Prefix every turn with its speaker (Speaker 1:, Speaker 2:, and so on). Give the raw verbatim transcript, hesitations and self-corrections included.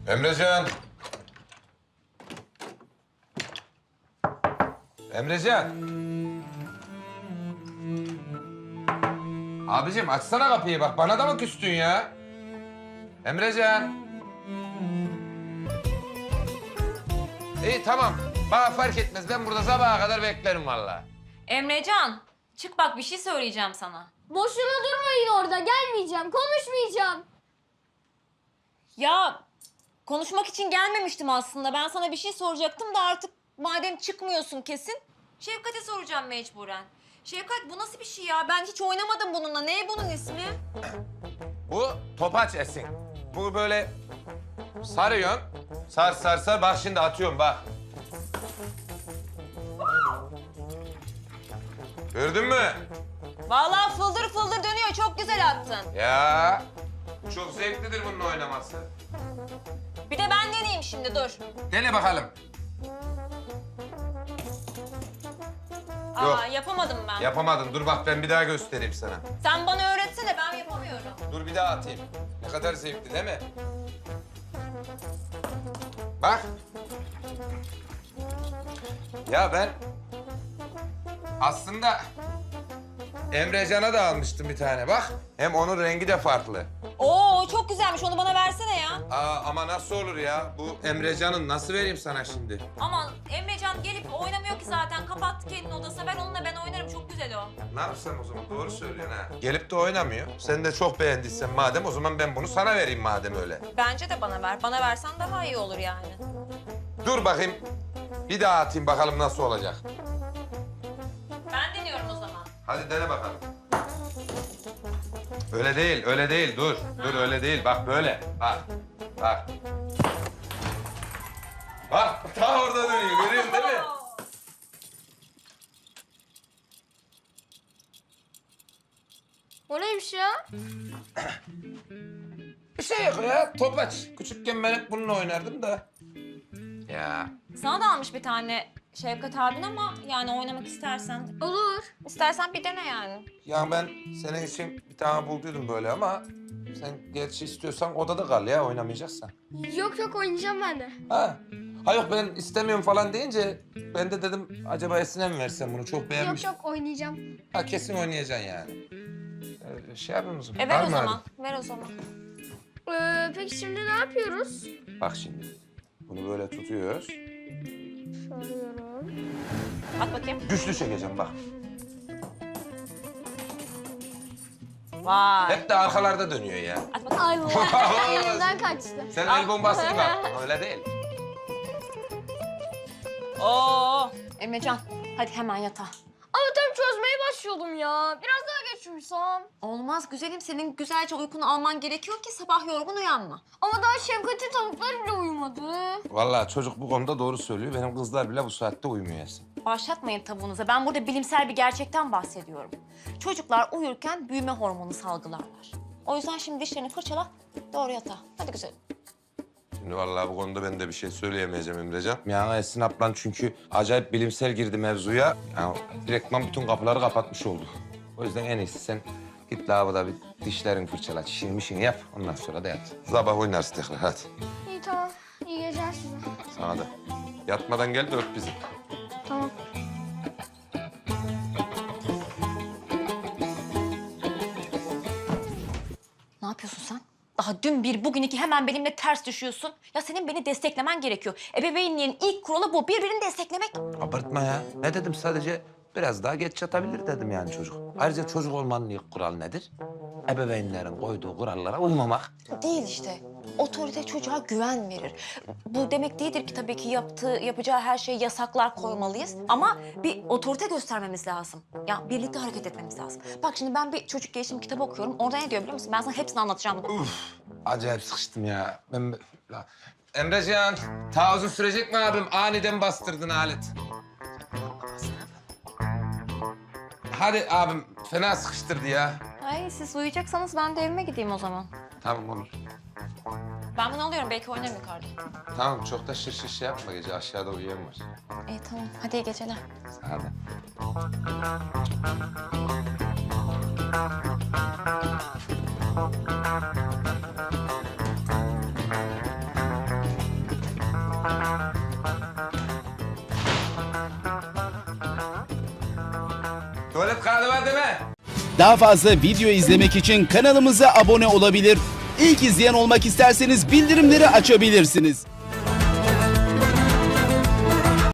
Speaker 1: Emrecan. Emrecan. Abicim açsana kapıyı bak. Bana da mı küstün ya? Emrecan. İyi tamam. Bana fark etmez. Ben burada sabaha kadar beklerim vallahi.
Speaker 2: Emrecan, çık bak bir şey söyleyeceğim sana.
Speaker 3: Boşuna durmayın orada. Gelmeyeceğim, konuşmayacağım.
Speaker 2: Ya konuşmak için gelmemiştim aslında. Ben sana bir şey soracaktım da artık madem çıkmıyorsun kesin. Şevkat'e soracağım mecburen. Şevkat bu nasıl bir şey ya? Ben hiç oynamadım bununla. Ne bunun ismi?
Speaker 1: Bu topaç Esin. Bu böyle sarıyorsun. Sar sar sar. Bak şimdi atıyorum bak. Gördün mü?
Speaker 2: Vallahi fıldır fıldır dönüyor. Çok güzel attın.
Speaker 1: Ya çok zevklidir bunun oynaması.
Speaker 2: Bir de ben deneyeyim şimdi dur.
Speaker 1: Dene bakalım.
Speaker 2: Aa
Speaker 1: Yok.
Speaker 2: yapamadım ben.
Speaker 1: Yapamadın. Dur bak ben bir daha göstereyim sana.
Speaker 2: Sen bana öğretsene ben yapamıyorum.
Speaker 1: Dur bir daha atayım. Ne kadar zevkli değil mi? Bak. Ya ben aslında Emrecan'a da almıştım bir tane bak. Hem onun rengi de farklı.
Speaker 2: Oo çok güzelmiş. Onu bana versene ya.
Speaker 1: Aa, ama nasıl olur ya? Bu Emrecan'ın nasıl vereyim sana şimdi?
Speaker 2: Aman Emrecan gelip oynamıyor ki zaten. Kapat kendini odasına. Ben onunla ben oynarım. Çok güzel o.
Speaker 1: Ne yapsam o zaman? Doğru söylüyorsun ha. Gelip de oynamıyor. Sen de çok beğendiysen madem o zaman ben bunu sana vereyim madem öyle.
Speaker 2: Bence de bana ver. Bana versen daha iyi olur yani.
Speaker 1: Dur bakayım. Bir daha atayım bakalım nasıl olacak.
Speaker 2: Ben deniyorum o zaman.
Speaker 1: Hadi dene bakalım. Öyle değil, öyle değil. Dur, dur öyle değil. Bak böyle. Bak, bak. Bak, ta orada dönüyor. Görüyorsun değil mi?
Speaker 3: O neymiş ya?
Speaker 1: Bir şey yok ya, topaç. Küçükken ben hep bununla oynardım da. Ya.
Speaker 2: Sana da almış bir tane Şevkat abin ama yani oynamak istersen.
Speaker 3: Olur.
Speaker 2: İstersen bir dene yani.
Speaker 1: Ya ben senin için bir tane bulduydum böyle ama... ...sen gerçi istiyorsan odada kal ya, oynamayacaksan.
Speaker 3: Yok yok oynayacağım ben de.
Speaker 1: Ha. Ha yok ben istemiyorum falan deyince... ...ben de dedim acaba Esin'e mi versem bunu çok beğenmiş.
Speaker 3: Yok yok oynayacağım.
Speaker 1: Ha kesin oynayacaksın yani. Ee, şey yapıyor musun?
Speaker 2: E
Speaker 1: Var
Speaker 2: ver o
Speaker 1: mı
Speaker 2: zaman.
Speaker 1: hadi?
Speaker 2: Ver o zaman.
Speaker 3: Ee, peki şimdi ne yapıyoruz?
Speaker 1: Bak şimdi. Bunu böyle tutuyoruz.
Speaker 3: Soruyorum.
Speaker 2: At bakayım.
Speaker 1: Güçlü çekeceğim bak.
Speaker 2: Vay.
Speaker 1: Hep de arkalarda dönüyor ya.
Speaker 2: At bakayım.
Speaker 3: Allah elimden kaçtı.
Speaker 1: Sen el bombası gibi attın. Öyle değil.
Speaker 2: Oo. Emrecan hadi hemen yatağa.
Speaker 3: Ama tam çözmeye başlıyordum ya. Biraz daha geç uyusam.
Speaker 2: Olmaz güzelim. Senin güzelce uykunu alman gerekiyor ki sabah yorgun uyanma.
Speaker 3: Ama daha Şevkat'in tavukları bile uyumadı.
Speaker 1: Vallahi çocuk bu konuda doğru söylüyor. Benim kızlar bile bu saatte uyumuyor Esin.
Speaker 2: Başlatmayın tavuğunuza. Ben burada bilimsel bir gerçekten bahsediyorum. Çocuklar uyurken büyüme hormonu salgılarlar. O yüzden şimdi dişlerini fırçala, doğru yatağa. Hadi güzelim.
Speaker 1: Şimdi vallahi bu konuda ben de bir şey söyleyemeyeceğim Emrecan. Yani Esin ablan çünkü acayip bilimsel girdi mevzuya. Yani direktman bütün kapıları kapatmış oldu. O yüzden en iyisi sen git lavaboda bir dişlerini fırçala, çişini mişini yap. Ondan sonra da yat. Sabah oynarsın tekrar hadi.
Speaker 3: İyi tamam. İyi geceler size.
Speaker 1: Sana da. Yatmadan gel de öp bizi.
Speaker 3: Tamam.
Speaker 2: Ne yapıyorsun sen? Daha dün bir, bugün iki hemen benimle ters düşüyorsun. Ya senin beni desteklemen gerekiyor. Ebeveynliğin ilk kuralı bu. Birbirini desteklemek.
Speaker 1: Abartma ya. Ne dedim sadece biraz daha geç yatabilir dedim yani çocuk. Ayrıca çocuk olmanın ilk kuralı nedir? Ebeveynlerin koyduğu kurallara uymamak.
Speaker 2: Değil işte. Otorite çocuğa güven verir. Bu demek değildir ki tabii ki yaptığı, yapacağı her şeye yasaklar koymalıyız. Ama bir otorite göstermemiz lazım. Ya birlikte hareket etmemiz lazım. Bak şimdi ben bir çocuk gelişim kitabı okuyorum. Orada ne diyor biliyor musun? Ben sana hepsini anlatacağım bunu.
Speaker 1: Uf, acayip sıkıştım ya. Ben... La- Emrecan, ta uzun sürecek mi abim? Aniden bastırdın alet. Hadi abim, fena sıkıştırdı ya.
Speaker 2: Ay siz uyuyacaksanız ben de evime gideyim o zaman.
Speaker 1: Tamam olur.
Speaker 2: Ben bunu alıyorum. Belki oynarım yukarıda.
Speaker 1: Tamam, çok da şır şır şey yapma gece. Aşağıda uyuyan var.
Speaker 2: İyi tamam. Hadi iyi geceler.
Speaker 1: Sana da. Tuvalet kağıdı var değil mi?
Speaker 4: Daha fazla video izlemek için kanalımıza abone olabilir. İlk izleyen olmak isterseniz bildirimleri açabilirsiniz.